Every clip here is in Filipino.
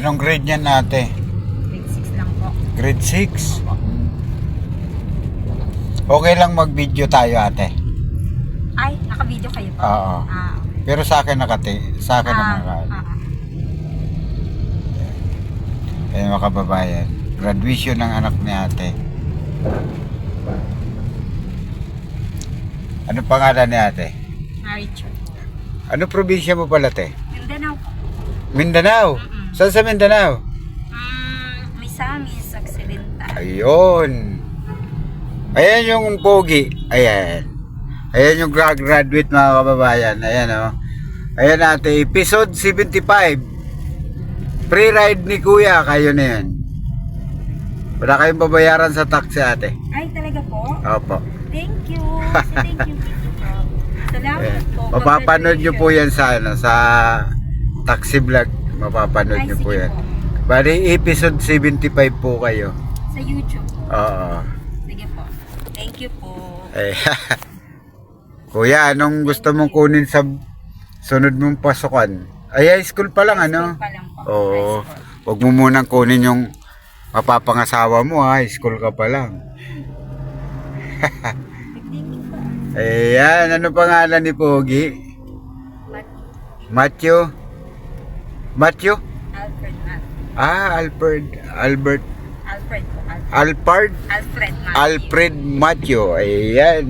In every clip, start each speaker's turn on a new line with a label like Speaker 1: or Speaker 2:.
Speaker 1: Anong grade niyan ate?
Speaker 2: Grade 6 lang po.
Speaker 1: Grade 6?
Speaker 2: Opo.
Speaker 1: Okay lang mag-video tayo ate.
Speaker 2: Ay, naka-video kayo po?
Speaker 1: Oo.
Speaker 2: Ah, okay.
Speaker 1: Pero sa akin sa akin na mga mga kababayan. Graduation ng anak ni ate. Ano pangalan ni ate?
Speaker 2: Marichu.
Speaker 1: Ano probinsya mo pala te?
Speaker 2: Mindanao po.
Speaker 1: Mindanao? Saan sa Mindanao?
Speaker 2: Misamis, Occidental.
Speaker 1: Ayun. Ayan yung pogi. Ayan. Ayan yung graduate mga kababayan. Ayan o. Ayan ate. Episode 75. Pre-ride ni kuya. Kayo na yan. Wala kayong babayaran sa taxi ate.
Speaker 2: Ay, talaga po?
Speaker 1: Opo.
Speaker 2: Thank you. Thank you po. Salamat
Speaker 1: Ayan.
Speaker 2: po.
Speaker 1: Mapapanood nyo po yan sa taxi vlog. Mapapanood nyo po yan. Bali episode 75 po kayo.
Speaker 2: Sa YouTube po.
Speaker 1: Oo.
Speaker 2: Sige po. Thank you po.
Speaker 1: Eh, kuya, anong gusto mong kunin sa sunod mong pasukan? Ay, high school pa lang, ano?
Speaker 2: High school pa lang po.
Speaker 1: Oo.
Speaker 2: High school.
Speaker 1: Huwag mo munang kunin yung mapapangasawa mo, ha? High school ka pa lang.
Speaker 2: Thank you po.
Speaker 1: Ayan, ano pangalan ni Pogi? Matthew? Matthew?
Speaker 2: Alfred Matt.
Speaker 1: Albert.
Speaker 2: Alfred po.
Speaker 1: Alfred?
Speaker 2: Alfred Matt.
Speaker 1: Alfred Matthew. Ayan.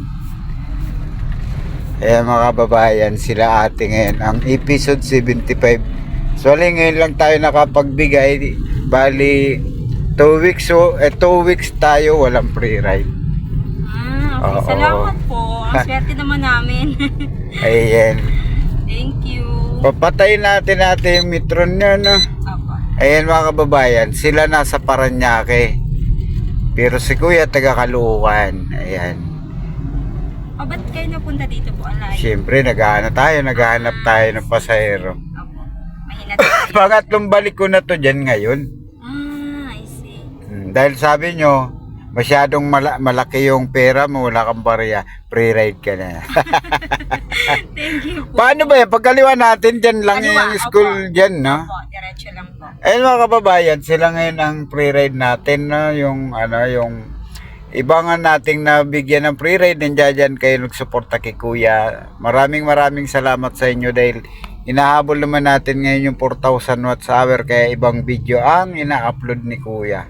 Speaker 1: Ayan mga kababayan, sila ate ngayon. Ang episode 75. So, ngayon lang tayo nakapagbigay. Bali, 2 weeks tayo walang pre-ride.
Speaker 2: Okay.
Speaker 1: Oo.
Speaker 2: Salamat po. Ang swerte naman namin.
Speaker 1: Ayan.
Speaker 2: Thank you.
Speaker 1: Papatayin natin yung metron nyo, no?
Speaker 2: Opo.
Speaker 1: Ayan mga kababayan, sila nasa Paranaque. Pero si kuya taga Caloocan. Ayan.
Speaker 2: O, ba't kayo napunta dito po? Alay?
Speaker 1: Siyempre, naghahanap tayo ng pasahero.
Speaker 2: Opo. Mahina tayo.
Speaker 1: Pangatlong balik ko na to dyan ngayon.
Speaker 2: I see.
Speaker 1: Dahil sabi nyo, masyadong malaki yung pera mo, wala kang barya, pre-ride ka na.
Speaker 2: Thank you po.
Speaker 1: Paano ba yan? Pagkaliwa natin, dyan lang
Speaker 2: Kaliwa,
Speaker 1: yung school
Speaker 2: opo.
Speaker 1: dyan, no?
Speaker 2: Opo, diretso lang po.
Speaker 1: Ayun mga kababayan, sila ngayon ang pre-ride natin, no? Yung ibangan nating nabigyan ng pre-ride, nandiyan kayo nagsuporta kay kuya. Maraming salamat sa inyo dahil inahabol naman natin ngayon yung 4,000 watts hour, kaya ibang video ang ina-upload ni kuya.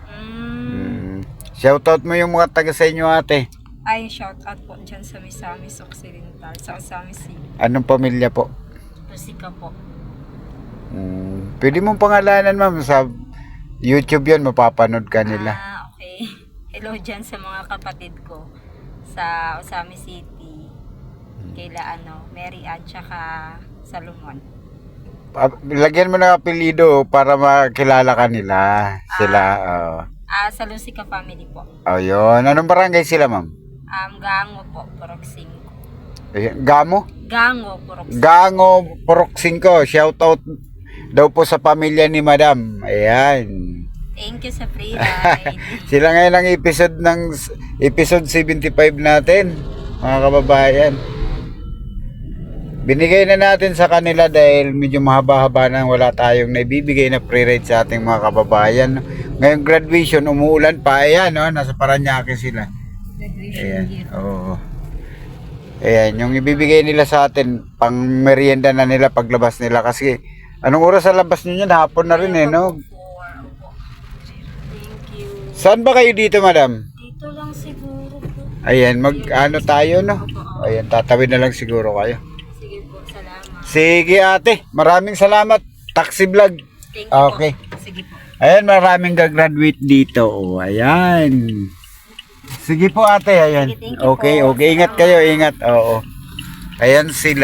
Speaker 1: Shoutout mo yung mga taga sa inyo ate.
Speaker 2: Ay, shout out po dyan sa Misamis Occidental, sa Misamis City.
Speaker 1: Anong pamilya po?
Speaker 2: Rusika po.
Speaker 1: Pwede mong pangalanan ma'am, sa YouTube yan, mapapanood ka nila.
Speaker 2: Okay. Hello dyan sa mga kapatid ko sa Osamis City. Kaila Mary at saka Salomon.
Speaker 1: Lagyan mo ng apelido para makilala ka nila. Sila,
Speaker 2: Sa Lucica family po.
Speaker 1: Ayun. Anong barangay sila ma'am?
Speaker 2: Gango po, Purok 5.
Speaker 1: Gamo?
Speaker 2: Gango, Purok 5.
Speaker 1: Gango, Purok 5. Shoutout daw po sa pamilya ni madam. Ayan.
Speaker 2: Thank you sa free ride.
Speaker 1: Sila ngayon ang episode 75 natin, mga kababayan. Binigay na natin sa kanila dahil medyo mahaba-haba na wala tayong naibibigay na pre-ride sa ating mga kababayan. Ngayong graduation, umuulan pa. Ayan, no? Nasa Paranaque sila.
Speaker 2: Graduation
Speaker 1: Ayan,
Speaker 2: year.
Speaker 1: oo. Ayan, yung ibibigay nila sa atin, pang merienda na nila paglabas nila. Kasi, anong oras sa labas nyo yan? Hapon na rin, no?
Speaker 2: Thank you.
Speaker 1: Saan ba kayo dito, madam?
Speaker 2: Dito lang siguro po.
Speaker 1: Ayan, tayo, no? Ayan, tatawid na lang siguro kayo.
Speaker 2: Sige po, salamat.
Speaker 1: Sige ate, maraming salamat. Taxi vlog.
Speaker 2: Thank you
Speaker 1: Okay.
Speaker 2: po. Sige po.
Speaker 1: Ayan, maraming gagraduate dito. Oh, ayan. Sige po ate, ayan.
Speaker 2: Sige, thank you
Speaker 1: Okay,
Speaker 2: po.
Speaker 1: okay. Ingat kayo, ingat. Oo. Ayan sila.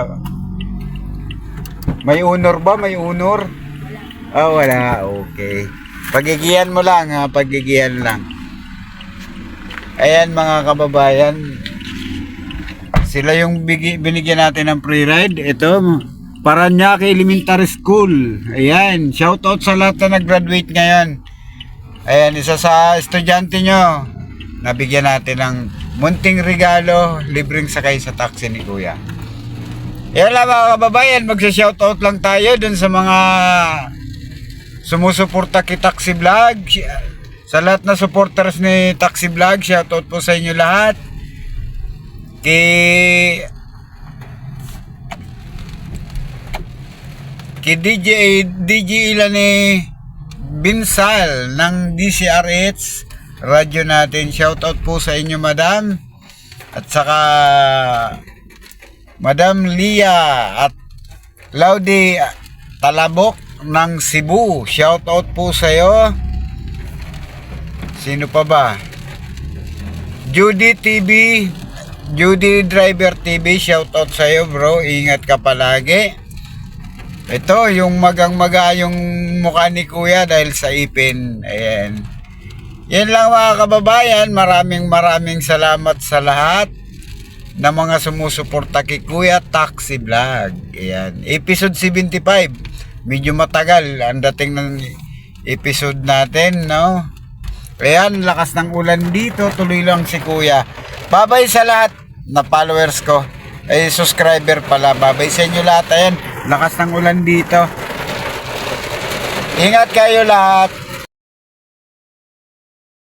Speaker 1: May honor ba? May honor? Wala. Okay. Pagigihan mo lang ha, pagigihan lang. Ayan mga kababayan. Sila yung binigyan natin ng free ride. Ito, Paranaque Elementary School. Ayan, shoutout sa lahat na nag-graduate ngayon. Ayan, isa sa estudyante nyo. Nabigyan natin ng munting regalo, libreng sakay sa taxi ni kuya. Yan lang mga kababayan, magsa-shoutout lang tayo dun sa mga sumusuporta kay Taxi Vlog. Sa lahat na supporters ni Taxi Vlog, shoutout po sa inyo lahat. Kay DJ ilan ni Binsal ng DCRH radyo natin. Shoutout po sa inyo, madam. At saka Madam Lia at Laudy Talabok ng Cebu. Shoutout po sa iyo. Sino pa ba? Judy TV, Judy Driver TV, shoutout sa iyo, bro. Ingat ka palagi. Ito, yung magang-maga yung mukha ni Kuya dahil sa ipin. Ayan. Yan lang mga kababayan. Maraming salamat sa lahat na mga sumusuporta kay Kuya Taxi Vlog. Ayan. Episode 75. Medyo matagal ang dating ng episode natin, no? Ayan, lakas ng ulan dito. Tuloy lang si Kuya. Babay sa lahat na followers ko. Ay, subscriber pala. Babay sa inyo lahat. Ayan, lakas ng ulan dito. Ingat kayo lahat.